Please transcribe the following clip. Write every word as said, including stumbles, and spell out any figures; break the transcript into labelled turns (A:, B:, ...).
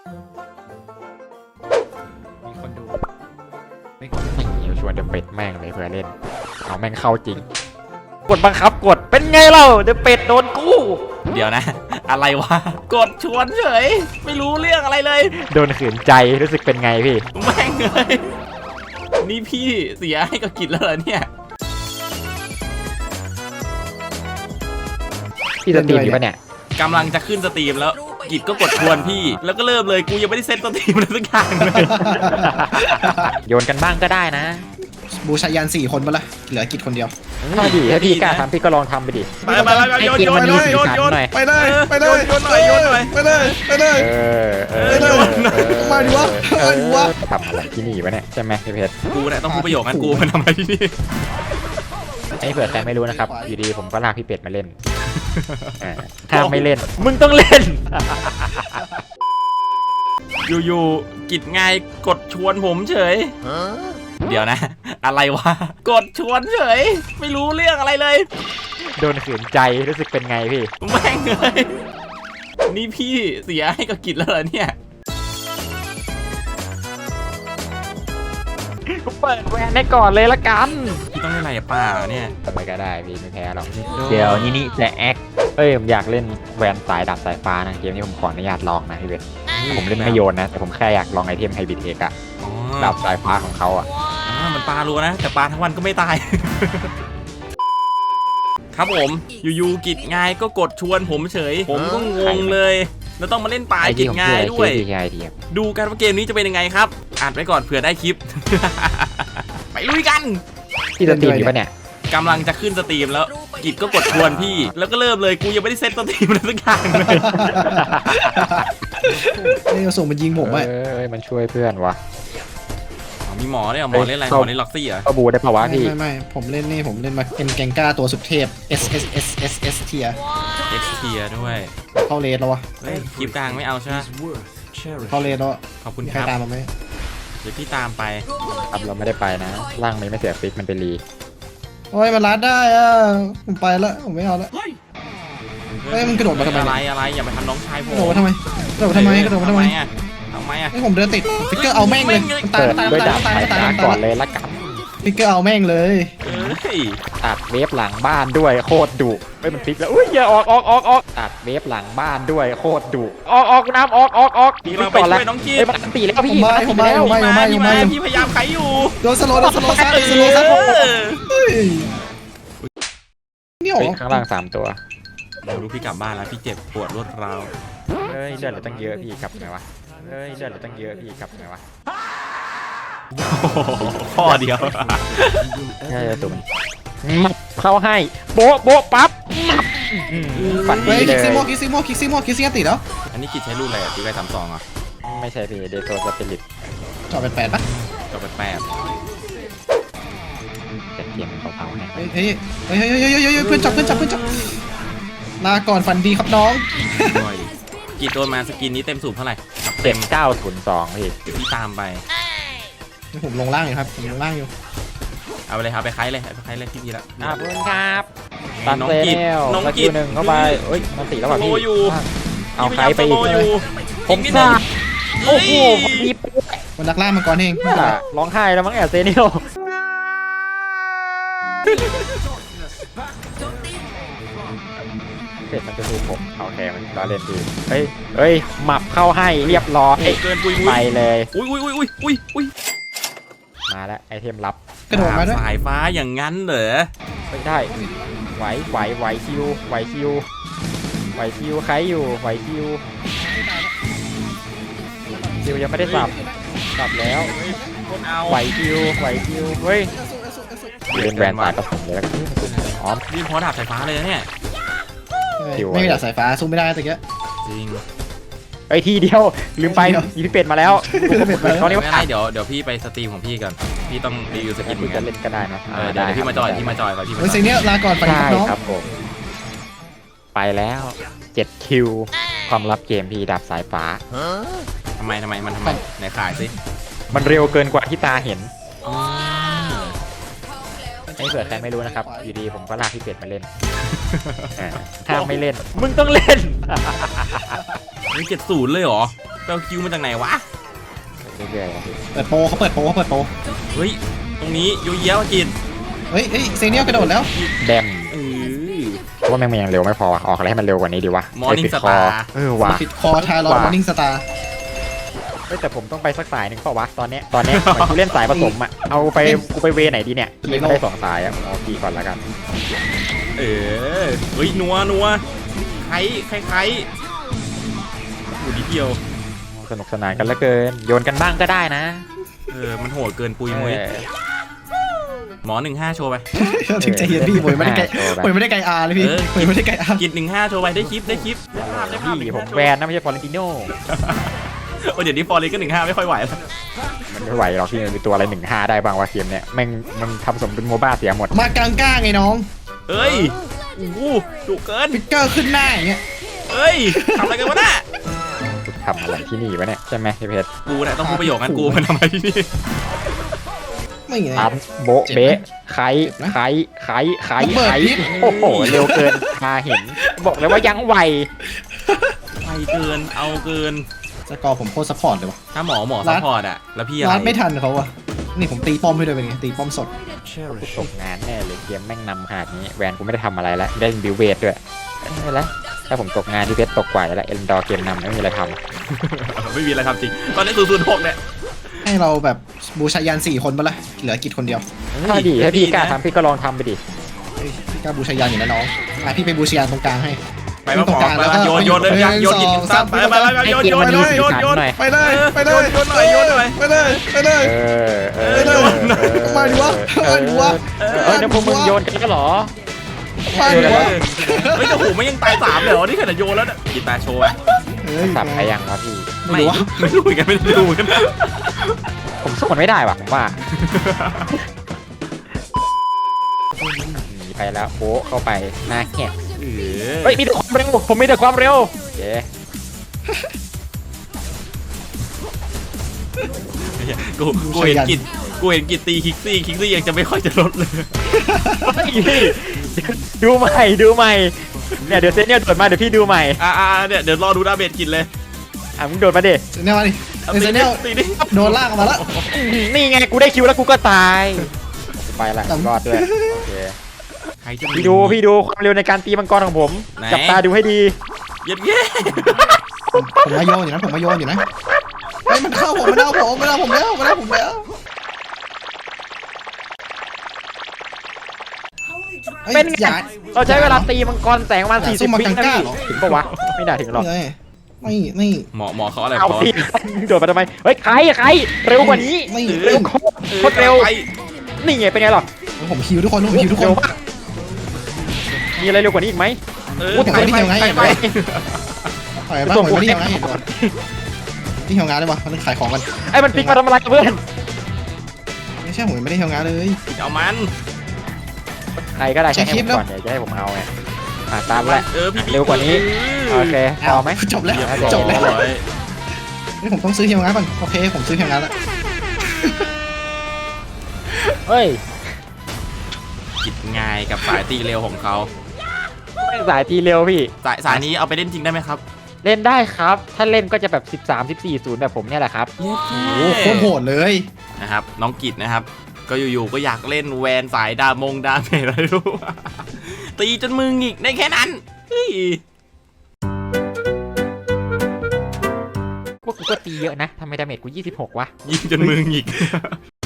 A: มีคนดูไม่ไม่เหี่ยวชวนเดอะเป็ดแม่งเลยเพื่อเล่นเอาแม่งเข้าจริงกดบังคับกดเป็นไงเล่าเดอะเป็ดโดนกู้
B: เดี๋ยวนะ อะไรวะกดชวนเฉยไม่รู้เรื่องอะไรเลย
A: โดนขืนใจรู้สึกเป็นไงพี่
B: แม่งเลยนี่พี่เสียให้กับกิจแล้วเหรอเนี่ย
A: พี่สตรีมอยู่ปะเนี่ย
B: กำลังจะขึ้นสตรีมแล้วกิจก็กดชวนพี่แล้วก็เริ่มเลยกูยังไม่ได้เซตสตรีมเลยสักอย่างเลย
A: โยนกันบ้างก็ได้นะ
C: บูชายันสี่คนปะล่ะเหลือกิจคนเดียว
A: ถ้าดีถ้าพี่กล้าทำพี่ก็ลองทำไปดิ
B: ไปไปไปโยนโยนโยนโยนโยน
C: ไปเลยไปเลย
B: โยนหน่อยโยนหน่อย
C: ไปเลยไปเลย
A: เออเออ
C: มาดิวะมาดิวะ
A: ทำอะไรที่นี่วะเนี่ยใช่ไหมพี่เพชร
B: กูเนี่ยต้องพูดประโยคนั้นกูมันทำอะไรที่นี่
A: ไอ้เผื่อใครไม่รู้นะครับอยู่ดีผมก็ลากพี่เป็ดมาเล่นถ้าไม่เล่นมึงต้องเล่น
B: อยู่ๆกิจไงกดชวนผมเฉยเดี๋ยวนะ อะไรวะกดชวนเฉยไม่รู้เรื่องอะไรเลย
A: โดนขืนใจรู้สึกเป็นไงพี่
B: แม่งเลยนี่พี่เสียให้กับกิจแล้วเหรอเนี่ย
A: กูเปิดแวนให้ก่อนเลยละกัน
B: พี่ต้องเล่นอะไรป่าเนี่ย
A: ทำไมก็ได้พี่ไม่แพ้หรอกเดี๋ยวนี่นี่จะแอคเอ้ยผมอยากเล่นแวนสายดับสายฟ้านะเกมนี้ผมขออนุญาตลองนะพี่เวทผมเล่นไม่โยนนะแต่ผมแค่อยากลองไอเทมไฮบริดเอกอะดับสายฟ้าของเขาอะ
B: มันปลารัวนะแต่ปลาทั้งวันก็ไม่ตายครับผมอยู่ๆกิจง่ายก็กดชวนผมเฉยผมก็งงเลยแล้วต้องมาเล่นปลากิจง่ายด้วยดูกันว่าเกมนี้จะเป็นยังไงครับอ่านไว้ก่อนเผื่อได้คลิปไปลุยกัน
A: พี่สตรีมอยู่ปะเนี่ย
B: กำลังจะขึ้นสตรีมแล้วกิจก็กดชวนพี่แล้วก็เริ่มเลยกูยังไม่ได้เซตสตรีมเลยสักอย่างเลย
C: นี่ส่งมันยิงผมอ่ะ
A: เอ้ยมันช่วยเพื่อนวะ
B: มีหมอเนี่ยหมอเล่นอะไรหมอเล่นล็อกซี่เหรอ
A: ก็บูได้ปะวะพี่
C: ไม่ไม่ผมเล่นนี่ผมเล่นมาเป็นแกงก้าตัวสุดเทพ S S S S S เทีย
B: S เทียด้วย
C: เข้าเลนแล้ววะ
B: เฮ้ยคลิปกลางไม่เอาใช่ไหม
C: เข้าเลนแล้ว
B: ขอบคุณครับ
C: ตามมาไหม
B: เดี๋ยวพี่ตามไป
A: ครับเราไม่ได้ไปนะร่างมันไม่เสียฟิกมันเป็นรี
C: โอ้ยมันรัดได้อ่ะผมไปแล้วผมไม่เอาแล้วเฮ้ยมันกระโดดมาทำไม
B: อะไรอะไรอย่ามาทำน้องชายผม
C: กระโดดมาทำไมกระโดดมาทำไมกระโดดมาทำไม
B: อ่ะทำไมอ่ะ
C: ให้ผมเดินติดฟิกเกอร์เอาแม่งเลย
A: ตายตายตายตายตายก่อนเลยละกัน
C: ฟิกเกอร์เอาแม่งเลย
A: ตัดเวฟหลังบ้านด้วยโคตรดุเฮ้ยมันฟิกแล้วอุ้ยอย่าออกออกออกออกตัดเวฟหลังบ้านด้วยโคตรดุออกออกน้ำออกออกออก
B: พี่เราไปช่วยน้องจี
A: เฮ้ยมันตีแล้วพี่
C: มาผมมาผมมาผมมา
B: พี่พยายามไขอยู่
C: โดนสโลว์โดนสโลว์ซัดสโลว์ซัดนี่หรอ
A: ข้างล่างสามตัว
B: ดูพี่กลับบ้านแล้วพี่เจ็บปวดรวดร้าว
A: เฮ้ยเลือดเราตั้งเยอะพี่กลับไงวะเฮ้ยเลือดเราตั้งเยอะพี่กลับไงวะ
B: ข้อเดียว
A: ใช่ตัวมันมับเข้าให้โบ๊ะโบ๊ะปั๊บมับ
C: ฝันดีเลยคิกซิโมคิกซิโมคิกซิโมคิกซิโมติดแล้ว
B: อันนี้กิจใช้รุ่นอะไรตีไปสามสองอ่ะ
A: ไม่ใช่พี่เดโตสปิริต
C: จอเป็นแปดปะ
B: จอเป็นแปด
A: แต่เกมเขาๆให้
C: เฮ้ยเฮ้ยเฮ้ยเฮ้ยเฮ้ยเพื่อนจับเพื่อนจับเพื่อนจับลาก่อนฝันดีครับน้อง
B: กิจโดนมาสกินนี้เต็มสูบเท่าไหร่
A: เต็มเก้าศูนย์สองพี่
B: พี่ตามไป
C: ผมลงล่างอยู่ครับผมลงล่างอยู่
B: เอาไปเลยครับไปคล้ายเลยไปคล้ายเลยพี่พีละ
A: ขอบคุณครับ
B: ตัดน้องกิจ
A: น้องกิจหนึ่งเข้าไปเอ้ยมันตีแล้วแบบพี่เอาใครไปอีก
B: ผมซ่า
A: โอ้โหมี
C: มันดักล่ามาก่อนเอง
A: ร้องไห้แล้วมั้งแอบเซนิโอเสร็จมันจะดูผมเอาแทงมันก็เล่นดีเฮ้ยเฮ้ยหมับเข้าให้เรียบร้อย
B: เกินปุย
A: ไปเลย
B: อุ้ยอุ้ยอุ้ยอุ้ยอุ้ย
A: มาแล้วไอเทมลับ
C: กระโดดมาด้วย
B: สายฟ้าอย่างงั้นเหรอ
A: ไม่ได้ไหวไหวไหวคิวไหวคิวไหวคิวใครอยู่ไหวคิวคิวยังไม่ได้สับสับแล้วไหวคิวไหวคิวเฮ้ยเล่นแบรนด์ตายกับผมเลยแล้วอ๋อ
B: นี่พอดาบสายฟ้าเลยนะเนี่ย
C: ไม่มีดาบสายฟ้าสู้ไม่ได้ตะเกีย
B: จริง
A: ไอทีเดียวลืมไปอีพี่เป็ดมาแล้ว
B: เขาเรียกว่าเดี๋ยวเดี๋ยวพี่ไปสตรีมของพี่ก่อนพี่ต้องรีวิวสกินเหมือนกัน
A: เล่นก็ได้นะ
B: เดี๋ยวพี่มาจอยพี่มาจอยก่อนพี่มา
C: เฮ้ยสิ่งนี้ลาก่อนไปน้อง
A: ครับผมไปแล้วเจ็ดคิวความลับเกมพี่ดับสายฟ้า
B: ทำไมทำไมมันทำไมไหนขายสิ
A: มันเร็วเกินกว่าที่ตาเห็นไอ้เผื่อใครไม่รู้นะครับอยู่ดีผมก็ลากพี่เป็ดมาเล่นถ้าไม่เล่นมึงต้องเล่น
B: นี่เจ็ดศูนย์เลยเหรอไปเอาคิวมาจากไหนวะ
A: เรื่อยๆอะพี่
C: เปิดโปรเขาเปิดโปรเขาเปิดโปร
B: เฮ้ยตรงนี้โยเยะกิน
C: เฮ้ยเฮ้ยเซเนียลกระโดดแล้ว
A: แดม
B: เออ
A: เพราะว่าแม่งมันยังเร็วไม่พอว่ะออกอะไรให้มันเร็วกว่านี้ดีวะ
B: Morning
A: ไปิดคอ
B: Star
A: เออว่ะ
C: ปิดคอทารอนมอร์นิ่งสตาร์
A: เฮ้ยแต่ผมต้องไปสักสายหนึ่งเปล่าวะตอนเนี้ยตอนเนี้ยเหมือนกูเล่นสายผสมอ่ะเอาไปกูไปเวไหนดีเนี่ยพี่ไม่ได้สองสายอ่ะเอาพี่ก่อนละกัน
B: เออเฮ้ยนัวนัวใครใครใครอยู่นิดเดียว
A: สนุกสนานกันเหลือเกินโยนกันบ้างก็ได้นะ
B: เออมันโหดเกินปุยมุ้ย
A: เออ
B: หมอหนึ่งห้าโชว์ไป
C: ถึงจะเห็นพี่หมวยไม่ได้ไกล
A: เออ
C: หมวยไม่ได้ไกลอาร์เลยพี่
B: เออ
C: หมวยไม่ได้ไกลอาร์
B: กินหนึ่งห้าโชว์ไปได้คลิปได้คลิปได้ภาพได้ภาพ
A: พี่
B: หนึ่ง
A: ผ
B: ห้าม โชว์
A: แวนนะไม่ใช่ฟอร์เรนติโน่
B: โอ้เดี๋ยวนี้ฟอร์เรนก็หนึ่งห้าไม่ค่อยไหวแล้ว
A: มันไม่ไหวหรอกพี่มันมีตัวอะไรหนึ่งห้าได้บ้างวะเกมเนี้ยแม่งมันทำสมเป็นโมบ้าเสียหมด
C: มากลางก้าไงน้อง
B: เอ้ยโอ้โหดุเกิน
C: ฟิกเกอร์ขึ้นหน้าอย่างเงี้ย
B: เอ้ยทำอะไรกันวะน่ะ
A: ทำอะไรที่นี่วะเนี่ยใช่ไหมพี่เพชร
B: กูเนี่ยต้องพูดประโยคนั้นกูมันทำไมที่นี่
C: ไม่ไง
A: ปั๊มโบะเบะไข่ไข่ไข่ไข่
C: ระเบิด
A: ไข่
C: พิษ
A: โอ้โหเร็วเกินมาเห็น บอกเลยว่ายังไว
B: ไปเกินเอาเกิน
C: สกอร์ผมโคตรซัพพอร์ตเลยวะ
B: ถ้าหมอหมอ
C: รั
B: ซั
C: ด
B: พพอร์ตอะแล้วพี่อะไร
C: รัดไม่ทันเขาอะนี่ผมตีป้อมให้ด้วยเป็นไงตีป้อมสด
A: ตกงานแน่เลยเกมแม่งนำขนาดนี้แวนกูไม่ได้ทำอะไรแล้วได้บิวเวทด้วยไม่เป็นไรถ้าผมตกงานที่เพชรตกกว่าแล้วเอ็นดอร์เกมนำไม่มีอะไรท
B: ไม่มีอะไรทำจริงตอนนี้ศูนย์ศูนย์หกเนี่ย
C: ให้เราแบบบูชายันสี่คนปะล่ะเหลือกิจคนเดียว
A: ำถ้าดีถ้าพี่กล้าทำพี่ก็ลองทำไปดิ
C: เฮ้ยพี่กล้าบูชายันอยู่นะน้องอ่ะพี่ไปบูชายันตรงกลางให้
B: ไปมาหมอไปมาโยนโยนเลยยังโยนกินซ้ำไปไปไปโยนโยนโยนโยนโยน
C: ไปเลยไปเลย
B: โยนหน่อยโยนหน่อย
C: ไปเลยไปเลย
A: เออเออ
C: ไปเลยมาดิวะมาดิวะ
A: เออเออเนี่ยพวกมึงโยนกันแล้วเหรอ
C: มาดิวะ
B: เฮ้ยแต่หูไม่ยังตายสามเลยเหรอนี่ขนาดโยนแล้วเนี่ยกีตาร์โชว์ไป
C: เฮ้ย
A: สับไปยังวะพี่
C: ไม่รู้วะ
B: ไม่รู้เหมือนกันไม่ได้ดูกัน
A: ผมสู้มันไม่ได้ว่ะผมว่าหนีไปแล้วโบ๊ะเข้าไปหน้าแหก
B: เอ
A: เฮ้ยมีแต่ความเร็วผมมีแต่ความเร็วเย้
B: กูกูเห็นกิจกูเห็นกิจตีคิกซี่คิกซี่ยังจะไม่ค่อยจะลดเลย
A: ดูใหม่ดูใหม่เนี่ยเดี๋ยวเซนเนี่ยโดดมาเดี๋ยวพี่ดูใหม่
B: อ่าเนี่ยเดี๋ยวรอดูดาเมจกิจเลย
A: อ่ะมึงโดดมาดิ
C: เซเนลมาดิเซเนล
B: ตีดิ
C: โดนลากออกมาแล้ว
A: นี่ไงกูได้คิวแล้วกูก็ตายไปละรอดด้วยโอเค
B: ใครจะ
A: พี่ดูพี่ดูความเร็วในการตีมังกรของผม
B: ไหน
A: จับตาดูให้ดี
B: เย็ดเย้
C: ผมผมมาโยนอยู่นะผมมาโยนอยู่นะไอ้ยมันเข้าผมมันเอาผมมันเอาผมแล้วมันเอาผมแล้วอ้ย
A: เป็นไง
C: อย่า
A: เราใช้เวลาตีมังกรแสงประมาณ
C: อย่า
A: สี่
C: สู้
A: สิบ
C: มัง
A: วิ
C: กร
A: นะ
C: กล้า
A: พี่
C: เหรอ
A: ถึงปะวะไม่น่าถึงหรอก
C: นี่ไงไม่ไม่
B: หมอหมอเขาอะไร
A: เอา
B: พอ
A: พี่โดดมาทำไมเฮ้ยใครใครเร็วกว่านี้
C: ไม่
A: เร็วโคตรโคตรเร็วนี่ไงเป็นไงหรอ
C: ผมฮิวทุกคนผมฮิวทุกคน
A: เร็วมากมีอะไรเร็วกว่านี้อีกไหม
B: เออ
C: พูดถึง
B: ไป
C: ไม่
B: ไป
C: เที่ยวไง
B: ไปไป
C: ปล่อยบ้างผมไม่ได้เที่ยวงานเห็นด้วยที่เที่ยวงานได้ปะมันขายของกัน
A: ไอ้มันปิกมาทำอะไรกับเพื่อน
C: ไม่ใช่ผมไม่ได้เที่ยวงานเลย
B: เอามัน
A: ใครก็ได้
C: ใช้
A: ใช้ให้
C: คลิ
A: ผ
C: ป
A: ม
C: แล้ว
A: ก่อนเดี๋ยวจะให้ผมเอาไงอ่ะตามละ
B: เออพี่
A: เร็วกว่านี้โอเคพอไหม
C: จบแล้ว
B: เรียบร้อย
C: จบแล้วนี่ผมต้องซื้อเที่ยวงานก่อนโอเคผมซื้อเที่ยวงานแล้ว
A: เฮ้ย
B: กิจง่ายกับสายตีเร็วของเขา
A: แม่งสายทีเร็วพี่
B: สายสายนี้เอาไปเล่นจริงได้ไหมครับ
A: เล่นได้ครับ ถ้าเล่นก็จะแบบสิบสาม สิบสี่ ศูนย์แบบผมเนี่ยแหละครับ
C: โอ้โหโคตรโหดเลย
B: นะครับน้องกิจนะครับ ก็อยู่ๆก็อยากเล่นแวนสายดามงดาเมจอะไรรู้ ตีจนมือหงิกได้แค่นั้นเฮ้ย
A: พวกกูก็ตีเยอะนะทำไมดาเมจกูยี่สิบหกวะ
B: ยิงจนมือหงิก